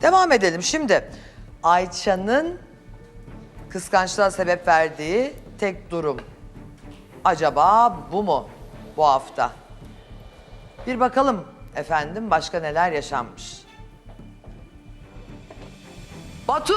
Devam edelim. Şimdi Ayça'nın kıskançlığa sebep verdiği tek durum acaba bu mu bu hafta? Bir bakalım efendim başka neler yaşanmış. Batu!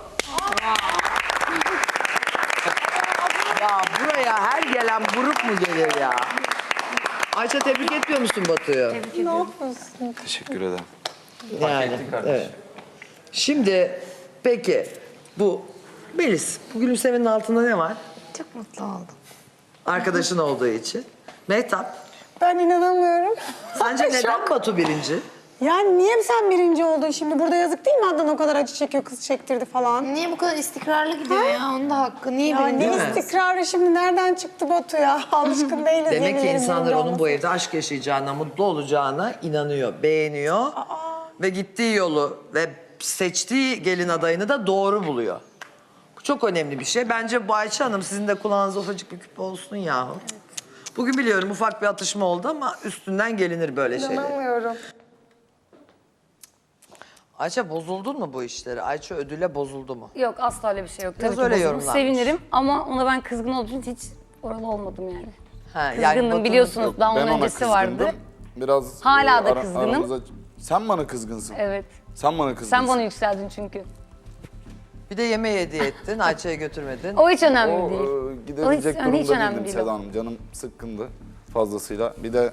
Ya buraya her gelen buruk mu gelir ya? Ayça tebrik etmiyor musun Batu'yu? Ne yapıyorsun? Teşekkür ederim. Yani, evet. Şimdi peki bu Melis, bu gülümsemenin altında ne var? Çok mutlu oldum. Arkadaşın olduğu için. Mehtap, Ben inanamıyorum. sence neden Batu birinci? Yani niye sen birinci oldun şimdi? Burada yazık değil mi Adnan o kadar acı çekiyor, kız çektirdi falan? Niye bu kadar istikrarlı gidiyor ya? Onun da hakkı. Niye Ya birinci? ne mi? istikrarı şimdi nereden çıktı Batu ya? Alışkın değiliz. Demek ki yenilerin insanlar birinci onun bu olması. evde aşk yaşayacağına, mutlu olacağına inanıyor, beğeniyor. Ve gittiği yolu ve seçtiği gelin adayını da doğru buluyor. Bu çok önemli bir şey. Bence bu Ayça Hanım sizin de kulağınıza ufacık bir küpe olsun yahu. Bugün biliyorum ufak bir atışma oldu ama üstünden gelinir böyle şeyler. İnanamıyorum. Ayça bozuldun mu bu işleri? Ayça ödüle bozuldu mu? Yok asla öyle bir şey yok. Biraz Tabii ki öyle bozulur. yorumlanmış. Sevinirim ama ona ben kızgın olduğum için hiç oralı olmadım yani. Ha, Kızgındım Batu'nun- biliyorsunuz Yok, daha ben onun ona öncesi kızgındım. vardı. Biraz Hala da kızgınım. Sen bana kızgınsın. Evet. Sen bana kızgınsın. Sen bana yükseldin çünkü. Bir de yemeği hediye ettin, Ayça'ya götürmedin. O hiç önemli O değil. gidebilecek O hiç durumda önemli değildim değil Seda o. Hanım. Canım sıkkındı fazlasıyla. Bir de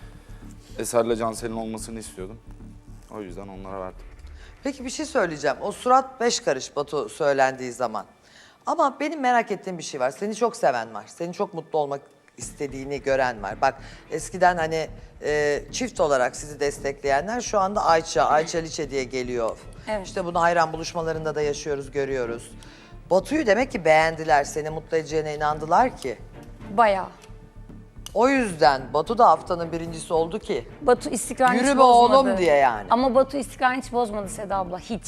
Eser'le Cansel'in olmasını istiyordum. O yüzden onlara verdim. Peki bir şey söyleyeceğim. O surat 5 karış Batu söylendiği zaman. Ama benim merak ettiğim bir şey var. Seni çok seven var. Senin çok mutlu olmak istediğini gören var. Bak eskiden hani çift olarak sizi destekleyenler şu anda Ayça Liçe diye geliyor. Evet. İşte bunu hayran buluşmalarında da yaşıyoruz, görüyoruz. Batu'yu demek ki beğendiler, seni mutlu edeceğine inandılar ki. Bayağı. O yüzden Batu da haftanın birincisi oldu ki. Batu istikrarını Yürü hiç be bozmadı. oğlum diye yani. Ama Batu istikrarını hiç bozmadı Seda abla. Hiç.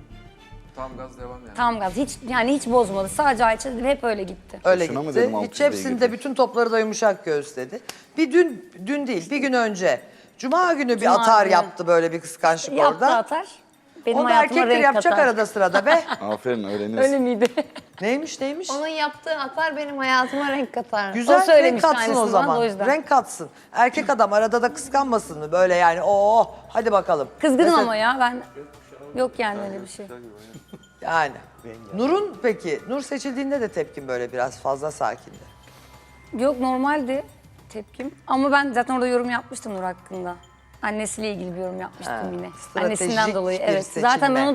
Tam gaz devam yani. Tam gaz. Hiç bozmadı. Sadece Ayça dedi hep öyle gitti. Öyle Boşuna mı gitti. dedim Hiç 600'e hepsinde girdi? bütün topları da yumuşak göğüsledi. Bir dün değil, bir gün önce. Cuma günü bir Cuma atar günü. yaptı böyle bir kıskançlık Yaptı orada. atar. Benim Onu da hayatıma erkekler renk yapacak katar. arada sırada be. Aferin öğreniriz. Öyle miydi? Neymiş? Onun yaptığı atar benim hayatıma renk katar. Güzel renk söylemiş katsın o aynısını zaman. bana da o yüzden. Renk katsın. Erkek adam arada da kıskanmasın mı? Böyle yani hadi bakalım. Kızgınım Mesela- ama ya ben... Yok yani öyle bir şey. Yani. Nur'un peki, Nur seçildiğinde de tepkin böyle biraz fazla sakindi. Yok normaldi tepkim. Ama ben zaten orada yorum yapmıştım Nur hakkında. Annesiyle ilgili bir yorum yapmıştım Ha, yine. stratejik Annesinden dolayı bir evet. seçilme. Zaten ben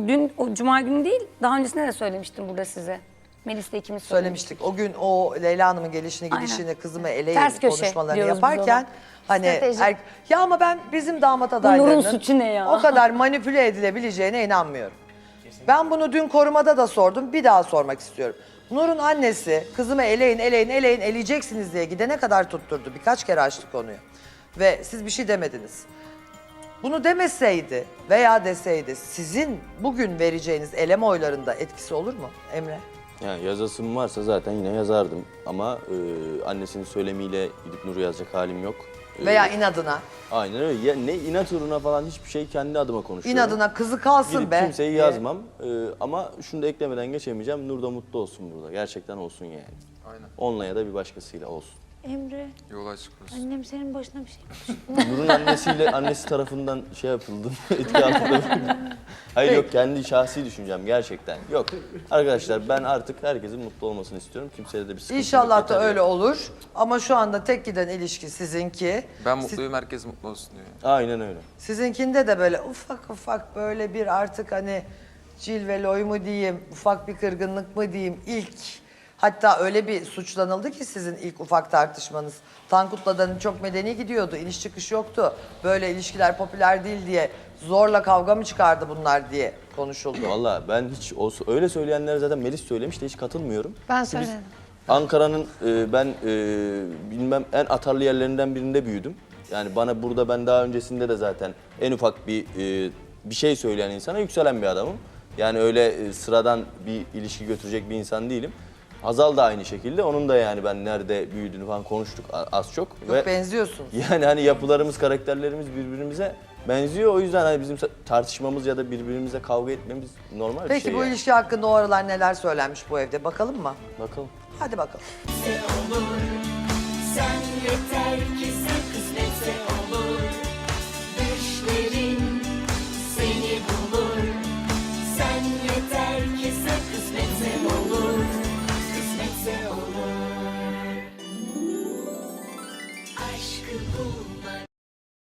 o cuma günü değil daha öncesinde de söylemiştim burada size. Melis'le ikimiz söylemiştik. Söylemiştik. O gün o Leyla Hanım'ın gelişini Aynen. gidişini kızımı eleyin Ters köşe konuşmalarını diyoruz biz yaparken ona. hani Stratejik. ya ama ben bizim damat Nur'un adaylarının suçu ne ya? o kadar manipüle edilebileceğine inanmıyorum. Ben bunu dün korumada da sordum, bir daha sormak istiyorum. Nur'un annesi kızımı eleyin, eleyeceksiniz diye gidene kadar tutturdu. Birkaç kere açtı konuyu. Ve siz bir şey demediniz. Bunu demeseydi veya deseydi sizin bugün vereceğiniz eleme oylarında etkisi olur mu Emre? Yani yazasım varsa zaten yine yazardım ama annesinin söylemiyle gidip Nur'u yazacak halim yok. Veya inadına. Aynen öyle. Ya, ne inat uğruna falan hiçbir şey kendi adıma konuşuyorum. İnadına kızı kalsın Gidip be. kimseyi diye. yazmam ama şunu da eklemeden geçemeyeceğim. Nur da mutlu olsun burada. Gerçekten olsun yani. Aynen. Onunla ya da bir başkasıyla olsun. Emre, Yol açık olsun. annem senin başına bir şey Nur'un annesi tarafından şey yapıldı. Etki altında. Hayır yok kendi şahsi düşüncem gerçekten. Yok. Arkadaşlar ben artık herkesin mutlu olmasını istiyorum. Kimseye de bir sıkıntı yok. İnşallah da yeter öyle yani. olur. Ama şu anda tek giden ilişki sizinki. Ben mutluyum, herkes mutlu olsun diyor. Aynen öyle. Sizinkinde de böyle ufak böyle bir artık hani cilveloy mu diyeyim, ufak bir kırgınlık mı diyeyim ilk. Hatta öyle bir suçlanıldı ki sizin ilk ufak tartışmanız. Tankut'la da çok medeni gidiyordu, iniş çıkış yoktu. Böyle ilişkiler popüler değil diye zorla kavga mı çıkardı bunlar diye konuşuldu. Valla ben hiç öyle söyleyenlere zaten Melis söylemiş de hiç katılmıyorum. Ben söyledim. Ankara'nın ben bilmem en atarlı yerlerinden birinde büyüdüm. Yani bana burada ben daha öncesinde de zaten en ufak bir şey söyleyen insana yükselen bir adamım. Yani öyle sıradan bir ilişki götürecek bir insan değilim. Hazal da aynı şekilde. Onun da yani ben nerede büyüdüğünü falan konuştuk az çok. Yok benziyorsunuz. Yani hani yapılarımız, karakterlerimiz birbirimize benziyor. O yüzden hani bizim tartışmamız ya da birbirimizle kavga etmemiz normal bir Peki şey bu yani. ilişki hakkında o aralar neler söylenmiş bu evde? Bakalım mı? Bakalım. Hadi bakalım. Sen yeter ki sen kısmetse olur.